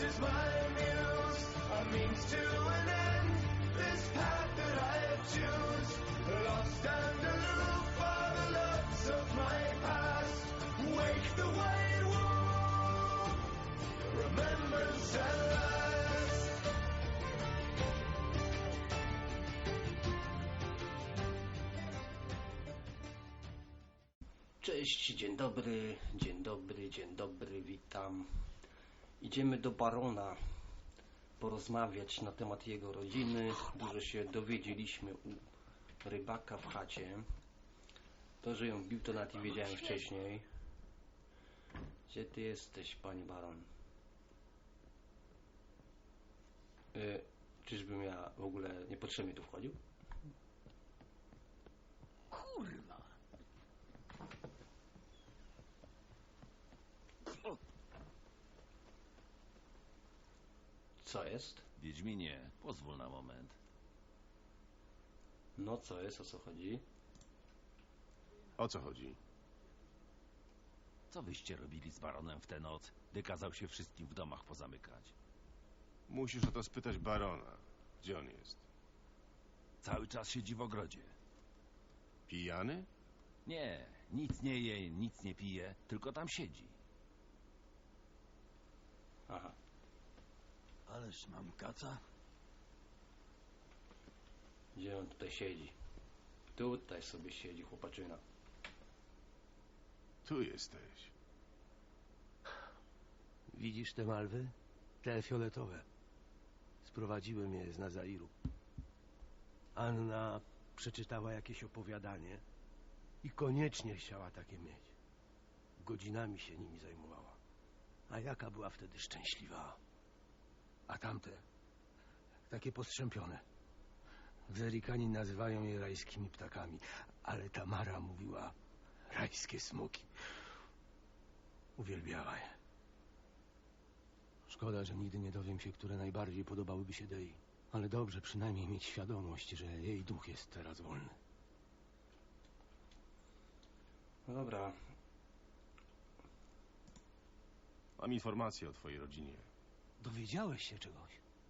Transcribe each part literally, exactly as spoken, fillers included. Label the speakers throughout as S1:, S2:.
S1: is my muse, a means to an end. This path that I choose, lost and aloof are the loves of my past. Wake the white wolf, remembrance at last.
S2: Cześć, dzień dobry, dzień dobry, dzień dobry, witam. Idziemy do barona porozmawiać na temat jego rodziny. Dużo się dowiedzieliśmy u rybaka w chacie. To, że ją bił, to nawet i wiedziałem wcześniej. Gdzie ty jesteś, panie baron? Yy, czyżbym ja w ogóle niepotrzebnie tu wchodził?
S3: Kurwa!
S2: Co jest?
S3: Wiedźminie, pozwól na moment.
S2: No co jest, o co chodzi?
S4: O co chodzi?
S3: Co wyście robili z baronem w tę noc, gdy kazał się wszystkim w domach pozamykać?
S4: Musisz o to spytać barona. Gdzie on jest?
S3: Cały czas siedzi w ogrodzie.
S4: Pijany?
S3: Nie, nic nie je, nic nie pije, tylko tam siedzi.
S2: Aha.
S3: Ależ mam kaca.
S2: Gdzie on tutaj siedzi? Tutaj sobie siedzi chłopaczyna.
S4: Tu jesteś.
S5: Widzisz te malwy? Te fioletowe. Sprowadziłem je z Nazairu. Anna przeczytała jakieś opowiadanie i koniecznie chciała takie mieć. Godzinami się nimi zajmowała. A jaka była wtedy szczęśliwa. A tamte, takie postrzępione. Zerikani nazywają je rajskimi ptakami, ale Tamara mówiła rajskie smoki. Uwielbiała je. Szkoda, że nigdy nie dowiem się, które najbardziej podobałyby się Dei. Ale dobrze przynajmniej mieć świadomość, że jej duch jest teraz wolny.
S2: No dobra.
S4: Mam informację o twojej rodzinie.
S5: Dowiedziałeś się czegoś?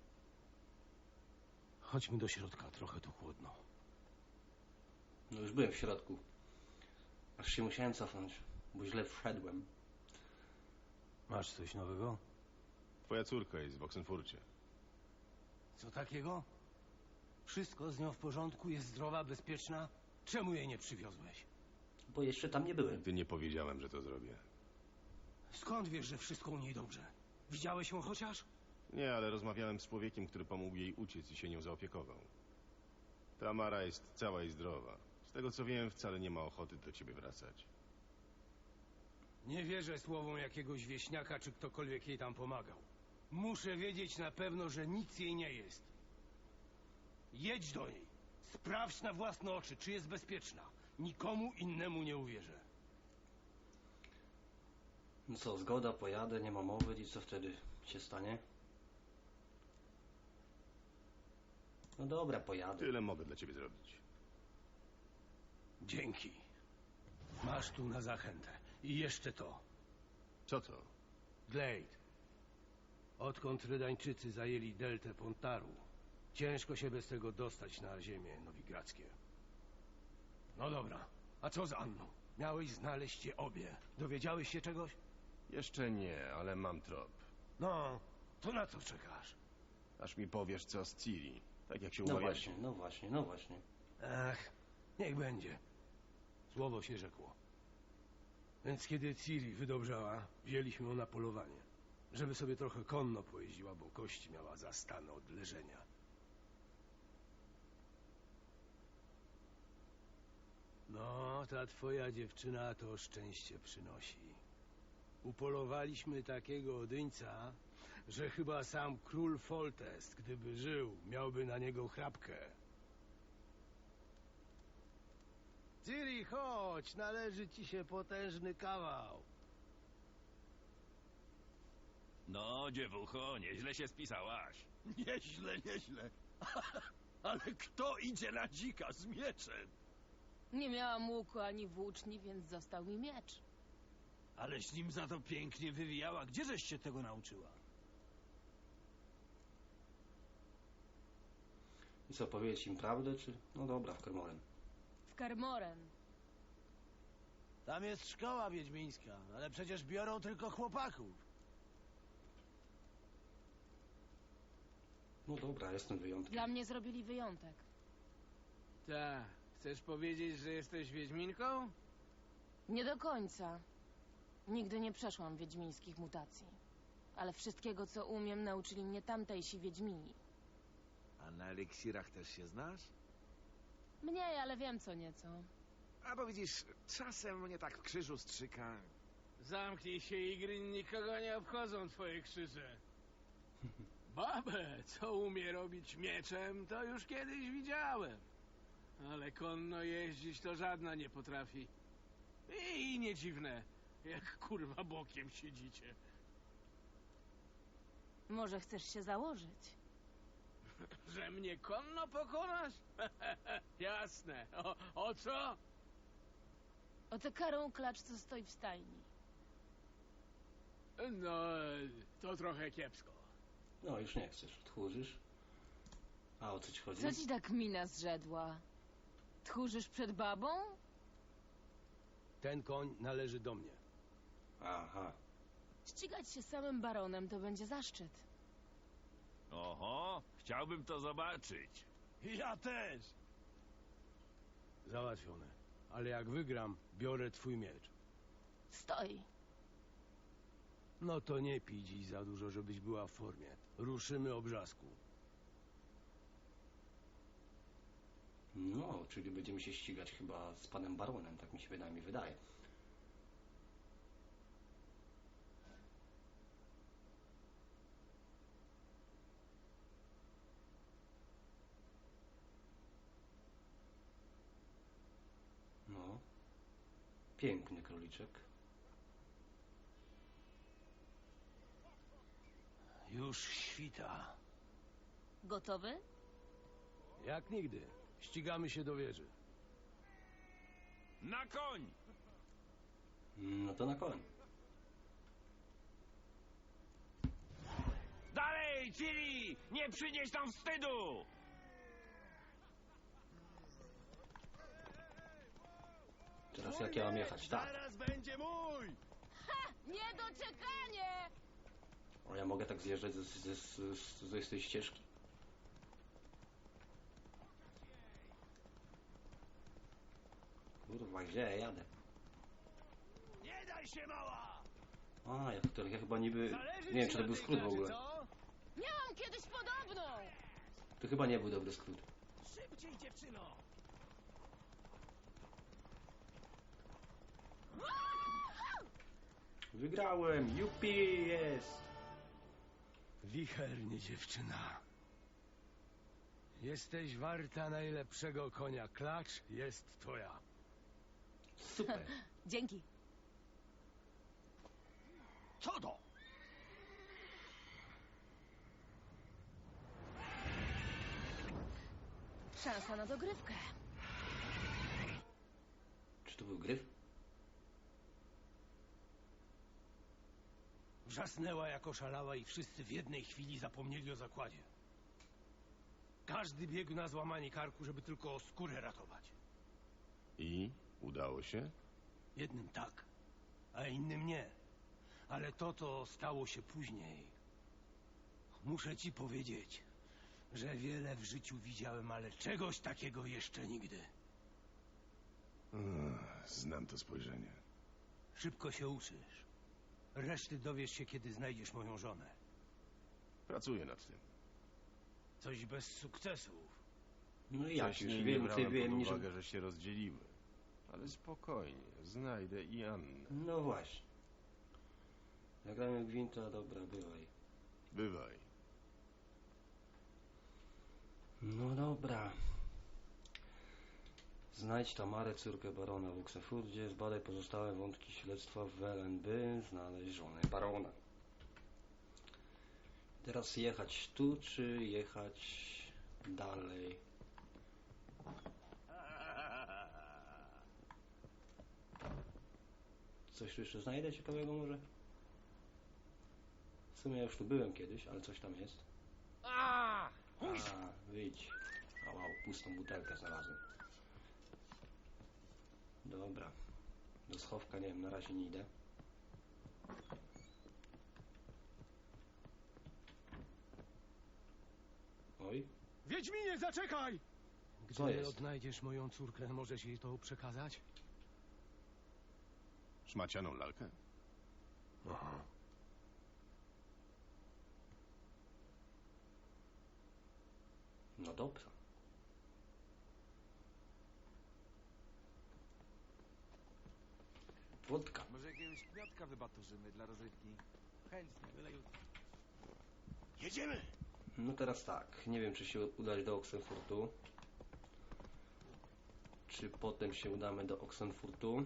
S5: Chodźmy do środka, trochę tu chłodno.
S2: No już byłem w środku. Aż się musiałem cofnąć, bo źle wszedłem.
S5: Masz coś nowego?
S4: Twoja córka jest w Oxenfurcie.
S5: Co takiego? Wszystko z nią w porządku, jest zdrowa, bezpieczna? Czemu jej nie przywiozłeś?
S2: Bo jeszcze tam nie byłem.
S4: Nigdy nie powiedziałem, że to zrobię.
S5: Skąd wiesz, że wszystko u niej dobrze? Widziałeś ją chociaż?
S4: Nie, ale rozmawiałem z człowiekiem, który pomógł jej uciec i się nią zaopiekował. Tamara jest cała i zdrowa. Z tego co wiem, wcale nie ma ochoty do ciebie wracać.
S5: Nie wierzę słowom jakiegoś wieśniaka, czy ktokolwiek jej tam pomagał. Muszę wiedzieć na pewno, że nic jej nie jest. Jedź do niej. Sprawdź na własne oczy, czy jest bezpieczna. Nikomu innemu nie uwierzę.
S2: No co, zgoda, pojadę, nie ma mowy i co wtedy się stanie? No dobra, pojadę.
S4: Tyle mogę dla ciebie zrobić.
S5: Dzięki. Masz tu na zachętę. I jeszcze to.
S4: Co to?
S5: Glade. Odkąd Rydańczycy zajęli deltę Pontaru, ciężko się bez tego dostać na ziemię nowigradzkie. No dobra, a co z Anną? Miałeś znaleźć je obie. Dowiedziałeś się czegoś?
S4: Jeszcze nie, ale mam trop.
S5: No, to na co czekasz?
S4: Aż mi powiesz, co z Ciri. Tak jak się
S2: No
S4: umawialiśmy.
S2: właśnie, no właśnie, no właśnie.
S5: Ach, niech będzie. Słowo się rzekło. Więc kiedy Ciri wydobrzała, wzięliśmy ją na polowanie. Żeby sobie trochę konno pojeździła, bo kości miała zastane od leżenia. No, ta twoja dziewczyna to szczęście przynosi. Upolowaliśmy takiego odyńca, że chyba sam król Foltest, gdyby żył, miałby na niego chrapkę. Ciri, chodź, należy ci się potężny kawał.
S3: No, dziewucho, nieźle się spisałaś.
S6: Nieźle, nieźle. Ale kto idzie na dzika z mieczem?
S7: Nie miałam łuku ani włóczni, więc został mi miecz.
S6: Aleś nim za to pięknie wywijała. Gdzieżeś się tego nauczyła?
S2: I co, powiedzieć im prawdę, czy... No dobra, w Kermoren.
S7: W Kermoren.
S5: Tam jest szkoła wiedźmińska, ale przecież biorą tylko chłopaków.
S2: No dobra, jestem wyjątkiem.
S7: Dla mnie zrobili wyjątek.
S8: Ta, chcesz powiedzieć, że jesteś wiedźminką?
S7: Nie do końca. Nigdy nie przeszłam wiedźmińskich mutacji. Ale wszystkiego, co umiem, nauczyli mnie tamtejsi wiedźmini.
S6: A na eliksirach też się znasz?
S7: Mniej, ale wiem co nieco.
S6: A bo widzisz, czasem mnie tak w krzyżu strzyka.
S8: Zamknij się, Igry, nikogo nie obchodzą twoje krzyże. Babę, co umie robić mieczem, to już kiedyś widziałem. Ale konno jeździć to żadna nie potrafi. I nie dziwne, jak kurwa bokiem siedzicie.
S7: Może chcesz się założyć?
S8: Że mnie konno pokonasz? Jasne. O, o co?
S7: O tę karą klacz, co stoi w stajni.
S8: No, to trochę kiepsko.
S2: No, już nie chcesz. Tchórzysz? A o co ci chodzi?
S7: Co ci tak mina zrzedła? Tchórzysz przed babą?
S5: Ten koń należy do mnie.
S2: Aha.
S7: Ścigać się samym baronem to będzie zaszczyt.
S3: Oho, chciałbym to zobaczyć.
S5: Ja też! Załatwione. Ale jak wygram, biorę twój miecz.
S7: Stoi.
S5: No to nie pij dziś za dużo, żebyś była w formie. Ruszymy obrzasku.
S2: No, czyli będziemy się ścigać chyba z panem baronem, tak mi się wydaje. Mi wydaje. No. Piękny króliczek.
S5: Już świta.
S7: Gotowy?
S5: Jak nigdy. Ścigamy się do wieży.
S3: Na koń!
S2: No to na koń.
S3: Dalej, Ciri! Nie przynieś tam wstydu!
S2: Teraz jak ja mam jechać? Tak.
S5: Zaraz będzie mój!
S7: Niedoczekanie!
S2: O, ja mogę tak zjeżdżać ze, ze, ze, ze, z tej ścieżki? Kurwa, gdzie ja jadę?
S5: Nie daj się, mała!
S2: A, ja, to, ja chyba niby... Nie wiem, czy to był skrót w ogóle.
S7: Miałam kiedyś podobną!
S2: To chyba nie był dobry skrót.
S5: Szybciej, dziewczyno!
S2: Wygrałem! Jupi! Jest!
S5: Wichernie, dziewczyna. Jesteś warta najlepszego konia. Klacz jest twoja.
S2: Super!
S7: Dzięki.
S5: Co to?
S7: Szansa na dogrywkę.
S2: Czy to był gryf?
S5: Wrzasnęła jak oszalała i wszyscy w jednej chwili zapomnieli o zakładzie. Każdy biegł na złamanie karku, żeby tylko skórę ratować.
S4: I? Udało się?
S5: Jednym tak, a innym nie. Ale to, to stało się później. Muszę ci powiedzieć, że wiele w życiu widziałem, ale czegoś takiego jeszcze nigdy.
S4: Ech, znam to spojrzenie.
S5: Szybko się uczysz. Reszty dowiesz się, kiedy znajdziesz moją żonę.
S4: Pracuję nad tym.
S5: Coś bez sukcesów.
S2: No i ja już
S4: Wcześniej nie
S2: więcej
S4: brałem
S2: wiem
S4: pod
S2: niż...
S4: uwagę, że się rozdzieliły. Ale spokojnie, znajdę i Annę.
S2: No właśnie. Zagramy gwinta, dobra, bywaj.
S4: Bywaj.
S2: No dobra. Znajdź Tamarę, córkę barona w Uxefurdzie, zbadaj pozostałe wątki śledztwa w Welen, by znaleźć żonę barona. Teraz jechać tu, czy jechać dalej? Coś tu jeszcze znajdę ciekawego może? W sumie ja już tu byłem kiedyś, ale coś tam jest. A, wyjdź. wow, pustą butelkę znalazłem. Dobra. Do schowka, nie wiem, na razie nie idę. Oj.
S5: Wiedźminie, zaczekaj!
S2: Co
S5: Gdy
S2: jest?
S5: odnajdziesz moją córkę, możesz jej to przekazać?
S4: Szmacianą lalkę?
S5: Aha.
S2: No dobra. Wódka.
S9: Może jakiegoś kwiatka wybaturzymy dla rozrywki? Chętnie, byle jutro.
S6: Jedziemy!
S2: No teraz tak, nie wiem czy się udać do Oxenfurtu. Czy potem się udamy do Oxenfurtu?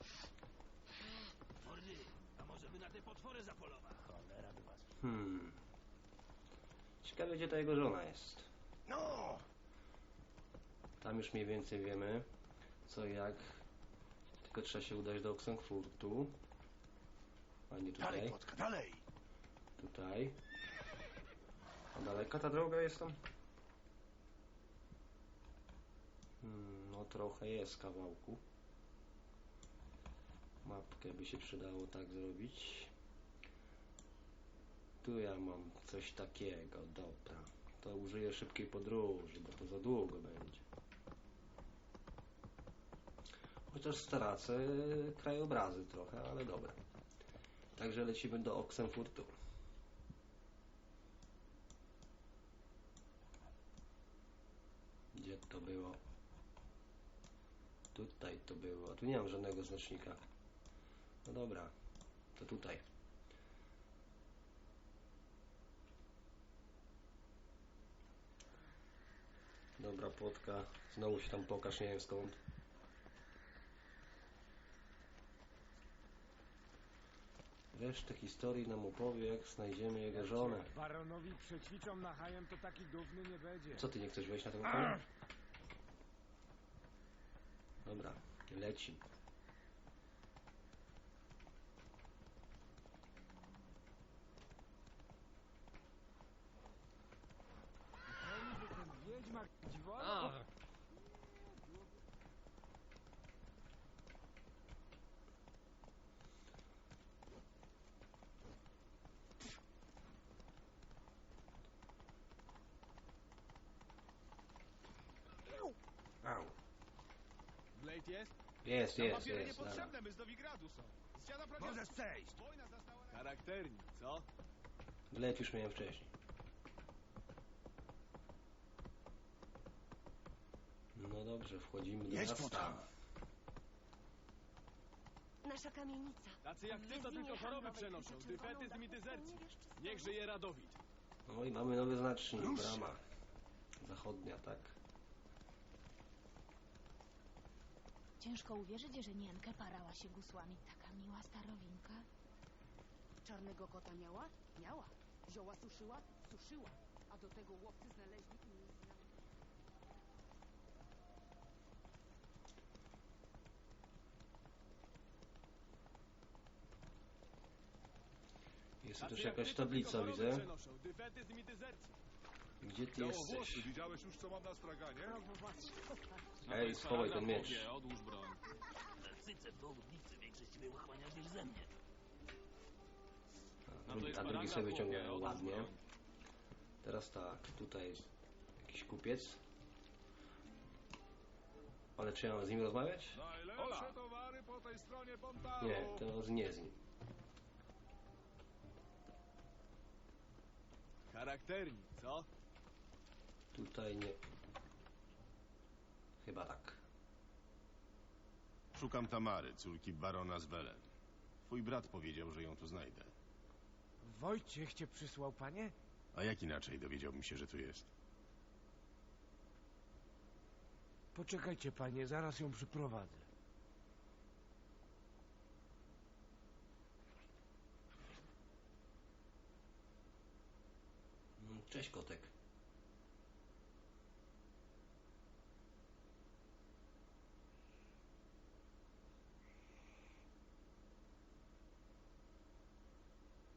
S6: Mordy, a może by na te potwory zapolować? Cholera by was...
S2: Hmm. Ciekawe gdzie ta jego żona jest.
S6: No!
S2: Tam już mniej więcej wiemy co i jak. Tylko trzeba się udać do Oxenfurtu. A nie tutaj.
S6: Dalej, Płotka, dalej!
S2: Tutaj. A daleka ta droga jest tam? Hmm, no trochę jest kawałku. Mapkę by się przydało tak zrobić. Tu ja mam coś takiego, dobra. To użyję szybkiej podróży, bo to za długo będzie. Chociaż stracę krajobrazy trochę, ale dobra. Także lecimy do Oxenfurtu. Gdzie to było? Tutaj to było. A tu nie mam żadnego znacznika. No dobra, to tutaj. Dobra, Płotka. Znowu się tam pokaż, nie wiem skąd. Resztę historii nam opowie, jak znajdziemy jego żonę.
S10: Baronowi przećwiczą na hajem, to taki dumny nie będzie.
S2: Co ty nie chcesz wejść na tego konia? Dobra, leci.
S10: Ten wiedźmak dziwolą.
S2: Au.
S6: Blade jest?
S2: Jest, jest, jest. Dobra.
S6: Niepotrzebne, my z Nowigradu są. Z dziada prawie... Możesz przejść! Wojna zastała... Charakternik, co?
S2: Blade już miałem wcześniej. No dobrze, wchodzimy do
S6: Jedź
S2: miasta.
S6: potem.
S11: Nasza kamienica.
S6: Tacy jak ty to
S11: Wiedźminie
S6: tylko choroby
S11: handlowej
S6: przenoszą.
S11: zaczerwoną
S6: Dyfetyzm i
S11: dachówką
S6: dezercję.
S11: nie wiesz, czy
S6: Niech
S11: stoi.
S6: żyje Radowid.
S2: No i mamy nowy znacznik,
S6: Rusz.
S2: brama. Zachodnia, tak?
S12: Ciężko uwierzyć, że Niemkę parała się gusłami. Taka miła starowinka.
S11: Czarnego kota miała? Miała. Zioła suszyła? Suszyła. A do tego łowcy znaleźli i nie znali.
S2: Jest tu
S6: Tacy
S2: też
S6: jak
S2: jakaś
S6: ty to
S2: tablica,
S6: tylko choroby
S2: widzę.
S6: przenoszą. Dyfetyzm i dezercja.
S2: Gdzie ty jesteś?
S6: widziałeś już co mam na straganie?
S2: Ej, schowaj ten miecz.
S6: Odłóż broń.
S9: Cyce w dowódnicy większość mnie uchłaniasz niż ze mnie.
S2: A drugi, a drugi sobie wyciąga ładnie. Teraz tak, tutaj jakiś kupiec. Ale czy ja mam z nim rozmawiać?
S6: Najlepsze towary po tej stronie Pontaru.
S2: Nie, to z- nie z nim.
S6: Charakternik, co?
S2: Tutaj nie. Chyba tak.
S4: Szukam Tamary, córki barona z Welen. Twój brat powiedział, że ją tu znajdę.
S10: Wojciech cię przysłał, panie?
S4: A jak inaczej dowiedziałbym się, że tu jest?
S10: Poczekajcie, panie, zaraz ją przyprowadzę.
S2: Mm, Cześć kotek.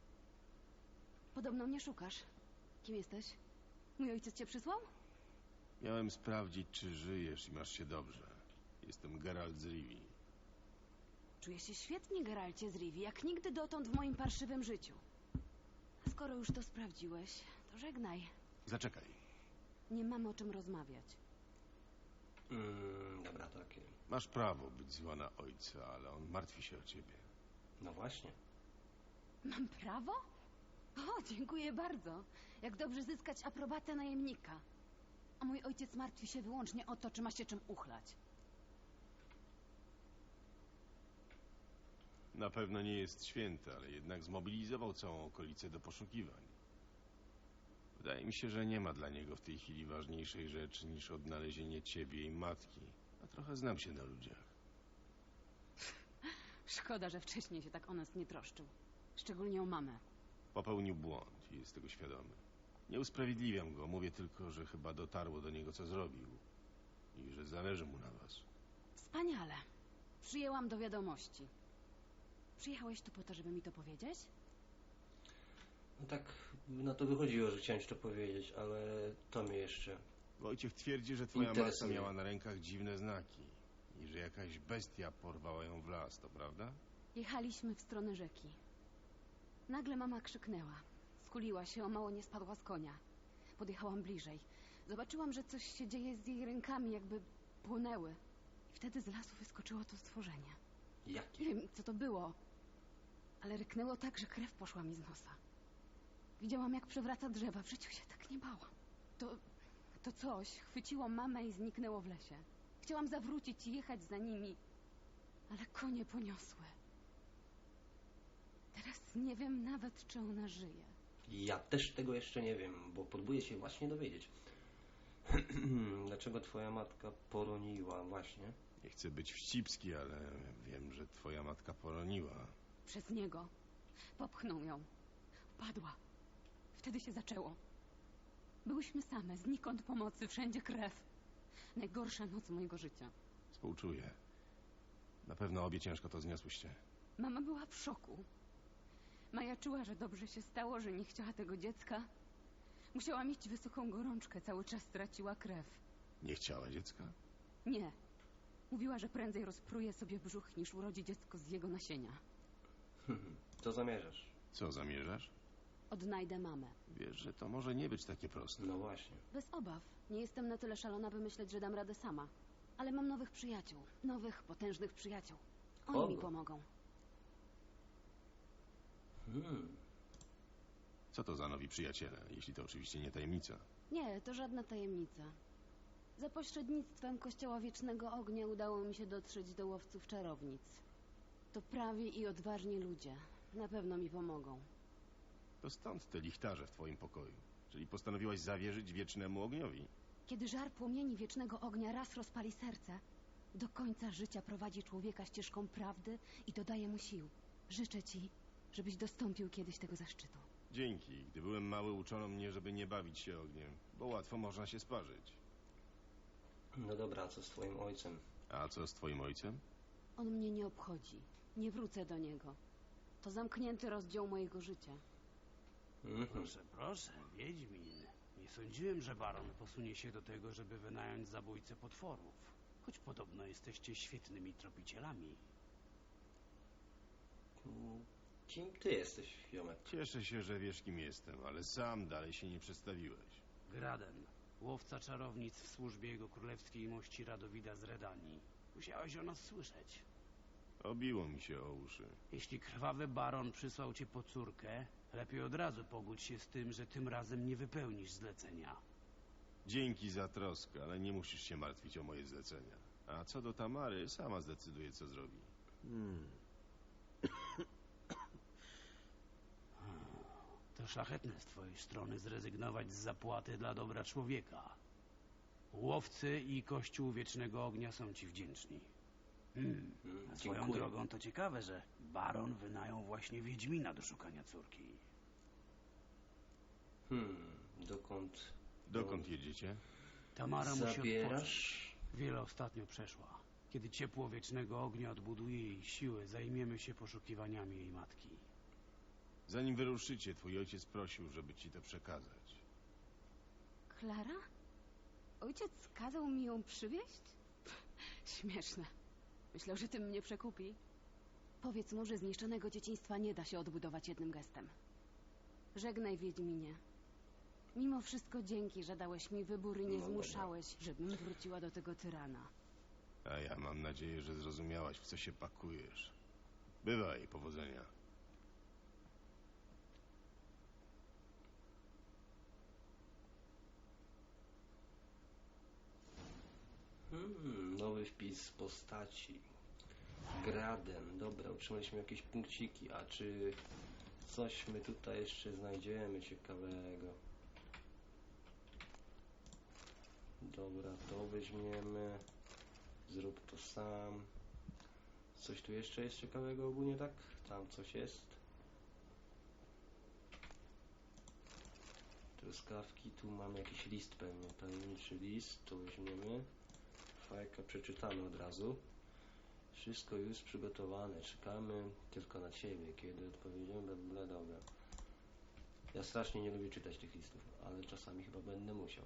S11: Podobno mnie szukasz. Kim jesteś? Mój ojciec cię przysłał?
S4: Miałem sprawdzić, czy żyjesz i masz się dobrze. Jestem Geralt z Rivii.
S11: Czuję się świetnie, Geralcie z Rivii, jak nigdy dotąd w moim parszywym życiu. A skoro już to sprawdziłeś, to żegnaj.
S4: Zaczekaj.
S11: Nie mamy o czym rozmawiać.
S2: Mm, dobra, takie.
S4: Masz prawo być zła na ojca, ale on martwi się o ciebie.
S2: No właśnie.
S11: Mam prawo? O, dziękuję bardzo. Jak dobrze zyskać aprobatę najemnika. A mój ojciec martwi się wyłącznie o to, czy ma się czym uchlać.
S4: Na pewno nie jest święty, ale jednak zmobilizował całą okolicę do poszukiwań. Wydaje mi się, że nie ma dla niego w tej chwili ważniejszej rzeczy niż odnalezienie ciebie i matki. A trochę znam się na ludziach.
S11: Szkoda, że wcześniej się tak o nas nie troszczył. Szczególnie o mamę.
S4: Popełnił błąd i jest tego świadomy. Nie usprawiedliwiam go, mówię tylko, że chyba dotarło do niego, co zrobił. I że zależy mu na was.
S11: Wspaniale. Przyjęłam do wiadomości. Przyjechałeś tu po to, żeby mi to powiedzieć?
S2: No tak na to wychodziło, że chciałem ci to powiedzieć, ale to mnie jeszcze...
S4: Wojciech twierdzi, że twoja matka
S2: interesuje.
S4: miała na rękach dziwne znaki. I że jakaś bestia porwała ją w las, to prawda?
S11: Jechaliśmy w stronę rzeki. Nagle mama krzyknęła. Skuliła się, o mało nie spadła z konia. Podjechałam bliżej. Zobaczyłam, że coś się dzieje z jej rękami, jakby płonęły. I wtedy z lasu wyskoczyło to stworzenie.
S2: Jakie?
S11: Nie wiem, co to było, ale ryknęło tak, że krew poszła mi z nosa. Widziałam, jak przewraca drzewa. W życiu się tak nie bałam. To, to coś chwyciło mamę i zniknęło w lesie. Chciałam zawrócić i jechać za nimi, ale konie poniosły. Teraz nie wiem nawet, czy ona żyje.
S2: Ja też tego jeszcze nie wiem, bo próbuję się właśnie dowiedzieć. Dlaczego twoja matka poroniła właśnie?
S4: Nie chcę być wścibski, ale wiem, że twoja matka poroniła.
S11: Przez niego. Popchnął ją. Padła. Wtedy się zaczęło. Byłyśmy same, znikąd pomocy, wszędzie krew. Najgorsza noc mojego życia.
S4: Współczuję. Na pewno obie ciężko to zniosłyście.
S11: Mama była w szoku. Majaczyła, że dobrze się stało, że nie chciała tego dziecka. Musiała mieć wysoką gorączkę, cały czas traciła krew.
S4: Nie chciała dziecka?
S11: Nie. Mówiła, że prędzej rozpruje sobie brzuch, niż urodzi dziecko z jego nasienia.
S2: Co zamierzasz?
S4: Co zamierzasz?
S11: Odnajdę mamę.
S4: Wiesz, że to może nie być takie proste.
S2: No właśnie.
S11: Bez obaw. Nie jestem na tyle szalona, by myśleć, że dam radę sama. Ale mam nowych przyjaciół. Nowych, potężnych przyjaciół. Oni
S2: Kogo?
S11: mi pomogą.
S2: Hmm.
S4: Co to za nowi przyjaciele, jeśli to oczywiście nie tajemnica?
S11: Nie, to żadna tajemnica. Za pośrednictwem Kościoła Wiecznego Ognia udało mi się dotrzeć do łowców czarownic. To prawi i odważni ludzie. Na pewno mi pomogą.
S4: To stąd te lichtarze w twoim pokoju. Czyli postanowiłaś zawierzyć wiecznemu ogniowi.
S11: Kiedy żar płomieni Wiecznego Ognia raz rozpali serce, do końca życia prowadzi człowieka ścieżką prawdy i dodaje mu sił. Życzę ci, żebyś dostąpił kiedyś tego zaszczytu.
S4: Dzięki. Gdy byłem mały, uczono mnie, żeby nie bawić się ogniem, bo łatwo można się sparzyć.
S2: No dobra, a co z twoim ojcem?
S4: A co z twoim ojcem?
S11: On mnie nie obchodzi. Nie wrócę do niego. To zamknięty rozdział mojego życia.
S2: Mhm.
S8: Proszę, proszę, Wiedźmin. Nie sądziłem, że baron posunie się do tego, żeby wynająć zabójcę potworów. Choć podobno jesteście świetnymi tropicielami.
S2: Kim ty jesteś, Jomek?
S4: Cieszę się, że wiesz, kim jestem, ale sam dalej się nie przedstawiłeś.
S8: Graden, łowca czarownic w służbie jego królewskiej mości Radowida z Redanii. Musiałeś o nas słyszeć.
S4: Obiło mi się o uszy.
S8: Jeśli krwawy baron przysłał cię po córkę, lepiej od razu pogódź się z tym, że tym razem nie wypełnisz zlecenia.
S4: Dzięki za troskę, ale nie musisz się martwić o moje zlecenia. A co do Tamary, sama zdecyduje, co zrobi.
S5: Hmm.
S8: To szlachetne z twojej strony zrezygnować z zapłaty dla dobra człowieka. Łowcy i Kościół Wiecznego Ognia są ci wdzięczni. Hmm. A swoją
S2: Dziękuję.
S8: drogą to ciekawe, że baron wynajął właśnie Wiedźmina do szukania córki.
S2: Hmm, dokąd...
S4: Dokąd jedziecie?
S8: Tamara musi odpocząć.
S2: Zabierasz?
S8: Wiele ostatnio przeszła. Kiedy ciepło Wiecznego Ognia odbuduje jej siły, zajmiemy się poszukiwaniami jej matki.
S4: Zanim wyruszycie, twój ojciec prosił, żeby ci to przekazać.
S11: Klara? ojciec kazał mi ją przywieźć? Śmieszne. Myślał, że tym mnie przekupi. Powiedz mu, że zniszczonego dzieciństwa nie da się odbudować jednym gestem. Żegnaj, Wiedźminie. Mimo wszystko dzięki, że dałeś mi wybór i nie
S4: No,
S11: zmuszałeś, żebym wróciła do tego tyrana.
S4: A ja mam nadzieję, że zrozumiałaś, w co się pakujesz. Bywaj, powodzenia.
S2: Hmm, nowy wpis postaci. Graden. Dobra, otrzymaliśmy jakieś punkciki. A czy coś my tutaj jeszcze znajdziemy ciekawego? Dobra, to weźmiemy. Zrób to sam. Coś tu jeszcze jest ciekawego ogólnie, tak? Tam coś jest. Truskawki, tu mamy jakiś list pewnie. Tajemniczy list, to weźmiemy. Fajka przeczytamy od razu. Wszystko już przygotowane. Czekamy tylko na ciebie. Kiedy odpowiedziemy, bla, dobra. Ja strasznie nie lubię czytać tych listów, ale czasami chyba będę musiał.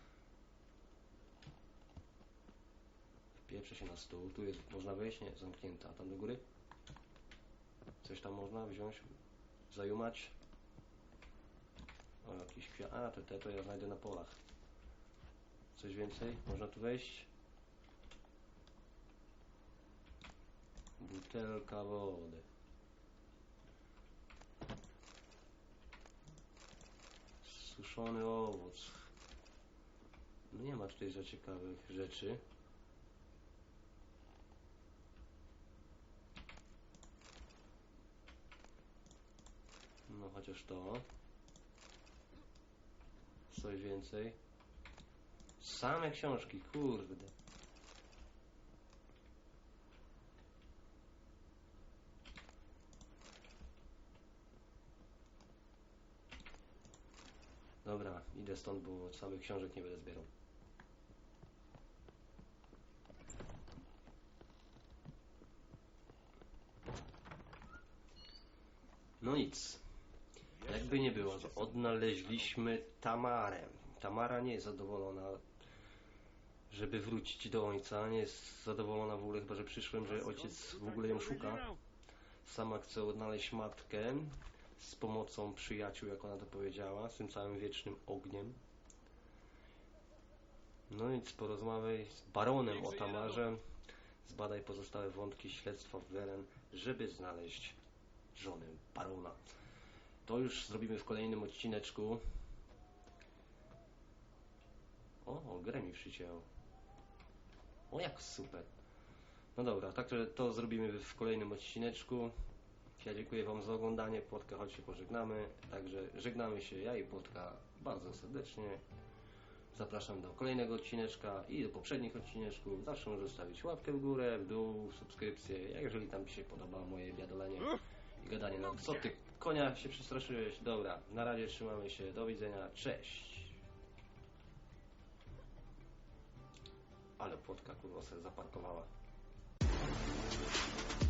S2: Wpieprzę się na stół. Tu jest, można wejść? Nie, zamknięta. A tam do góry? Coś tam można wziąć? Zajumać? O, jakiś kwiat. A, te, te to ja znajdę na polach. Coś więcej? Można tu wejść? Butelka wody. Suszony owoc. No nie ma tutaj za ciekawych rzeczy. No chociaż to. Coś więcej. Same książki, kurde. Dobra, idę stąd, bo samych książek nie będę zbierał. No nic. Jakby nie było, to odnaleźliśmy Tamarę. Tamara nie jest zadowolona, żeby wrócić do ojca. Nie jest zadowolona w ogóle, chyba że przyszłem, że ojciec w ogóle ją szuka. Sama chce odnaleźć matkę z pomocą przyjaciół, jak ona to powiedziała, z tym całym wiecznym ogniem. No nic, porozmawiaj z baronem o Tamarze. Zbadaj pozostałe wątki śledztwa w Welen, żeby znaleźć żonę barona. To już zrobimy w kolejnym odcineczku. O, o grę mi przycięło. O, jak super. No dobra, także to zrobimy w kolejnym odcineczku. Ja dziękuję wam za oglądanie. Płotka, chodź się pożegnamy. Także żegnamy się, ja i Płotka, bardzo serdecznie. Zapraszam do kolejnego odcineczka i do poprzednich odcineczków. Zawsze możesz zostawić łapkę w górę, w dół, subskrypcję, jeżeli tam ci się podoba moje biadolenie i gadanie. No co ty, konia się przestraszyłeś? Dobra, na razie trzymamy się, do widzenia, cześć. Ale Płotka kurwa sobie zaparkowała.